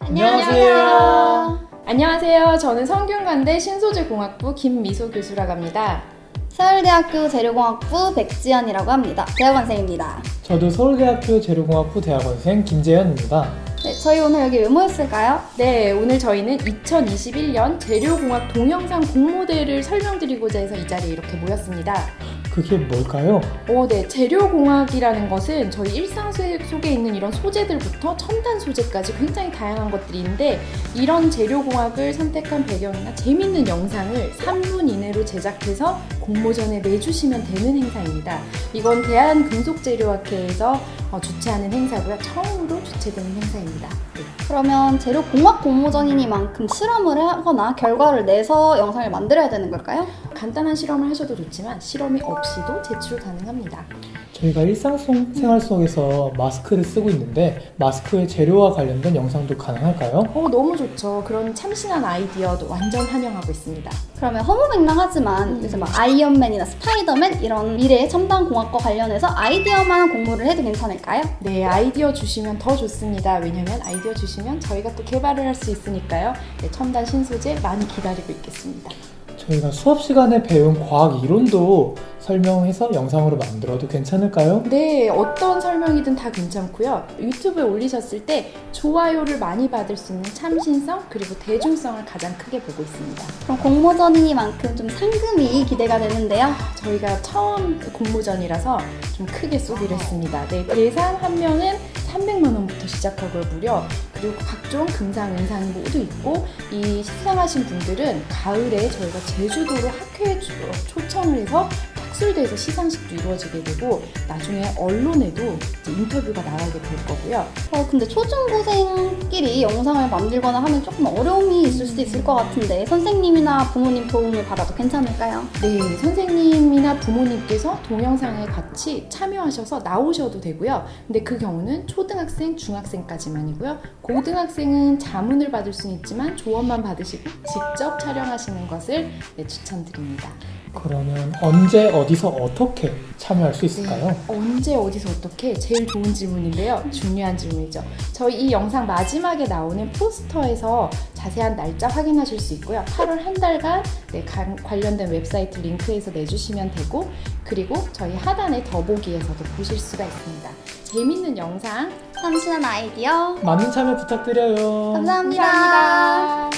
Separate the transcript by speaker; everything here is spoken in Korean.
Speaker 1: 안녕하세요.
Speaker 2: 안녕하세요. 저는 성균관대 신소재공학부 김미소 교수라고 합니다.
Speaker 1: 서울대학교 재료공학부 백지연이라고 합니다. 대학원생입니다.
Speaker 3: 저도 서울대학교 재료공학부 대학원생 김재현입니다.
Speaker 1: 네, 저희 오늘 여기 왜 모였을까요?
Speaker 2: 네, 오늘 저희는 2021년 재료공학 동영상 공모대를 설명드리고자 해서 이 자리에 이렇게 모였습니다.
Speaker 3: 그게 뭘까요?
Speaker 2: 네, 재료공학이라는 것은 저희 일상 속에 있는 이런 소재들부터 첨단 소재까지 굉장히 다양한 것들이 있는데, 이런 재료공학을 선택한 배경이나 재밌는 영상을 3분 이내로 제작해서 공모전에 내주시면 되는 행사입니다. 이건 대한금속재료학회에서 주최하는 행사고요. 처음으로 주최되는 행사입니다. 네.
Speaker 1: 그러면 재료공학 공모전이니만큼 실험을 하거나 결과를 내서 영상을 만들어야 되는 걸까요?
Speaker 2: 간단한 실험을 하셔도 좋지만 실험이 없이도 제출 가능합니다.
Speaker 3: 저희가 일상생활 속에서 마스크를 쓰고 있는데 마스크의 재료와 관련된 영상도 가능할까요?
Speaker 2: 너무 좋죠. 그런 참신한 아이디어도 완전 환영하고 있습니다.
Speaker 1: 그러면 허무맹랑하지만 요새 막 아이언맨이나 스파이더맨 이런 미래의 첨단 공학과 관련해서 아이디어만 공모를 해도 괜찮을까요?
Speaker 2: 네, 아이디어 주시면 더 좋습니다. 왜냐면 아이디어 주시면 저희가 또 개발을 할 수 있으니까요. 네, 첨단 신소재 많이 기다리고 있겠습니다.
Speaker 3: 저희가 수업 시간에 배운 과학 이론도 설명해서 영상으로 만들어도 괜찮을까요?
Speaker 2: 네, 어떤 설명이든 다 괜찮고요. 유튜브에 올리셨을 때 좋아요를 많이 받을 수 있는 참신성 그리고 대중성을 가장 크게 보고 있습니다.
Speaker 1: 그럼 공모전이니만큼 좀 상금이 기대가 되는데요.
Speaker 2: 저희가 처음 공모전이라서 좀 크게 쏘기로 했습니다. 네, 대상 한 명은 300만 원부터 시작하고요, 무려. 그리고 각종 금상, 은상이 모두 있고, 이 시상하신 분들은 가을에 저희가 제주도로 학회에 초청을 해서 탁술대에서 시상식도 이루어지게 되고, 나중에 언론에도 이제 인터뷰가 나가게 될 거고요.
Speaker 1: 근데 초중고생끼리 영상을 만들거나 하면 조금 어려움이 있을 수도 있을 것 같은데 선생님이나 부모님 도움을 받아도 괜찮을까요?
Speaker 2: 네, 선생님이나 부모님께서 동영상에 같이 참여하셔서 나오셔도 되고요. 근데 그 경우는 초등학생, 중학생까지만이고요. 고등학생은 자문을 받을 수는 있지만 조언만 받으시고 직접 촬영하시는 것을 추천드립니다.
Speaker 3: 그러면 언제, 어디서, 어떻게 참여할 수 있을까요?
Speaker 2: 네, 언제, 어디서, 어떻게? 제일 좋은 질문인데요. 중요한 질문이죠. 저희 이 영상 마지막에 나오는 포스터에서 자세한 날짜 확인하실 수 있고요. 8월 한 달간 관련된 웹사이트 링크에서 내주시면 되고, 그리고 저희 하단의 더보기에서도 보실 수가 있습니다. 재밌는 영상
Speaker 1: 참신한 아이디어
Speaker 3: 많은 참여 부탁드려요.
Speaker 1: 감사합니다.
Speaker 2: 감사합니다.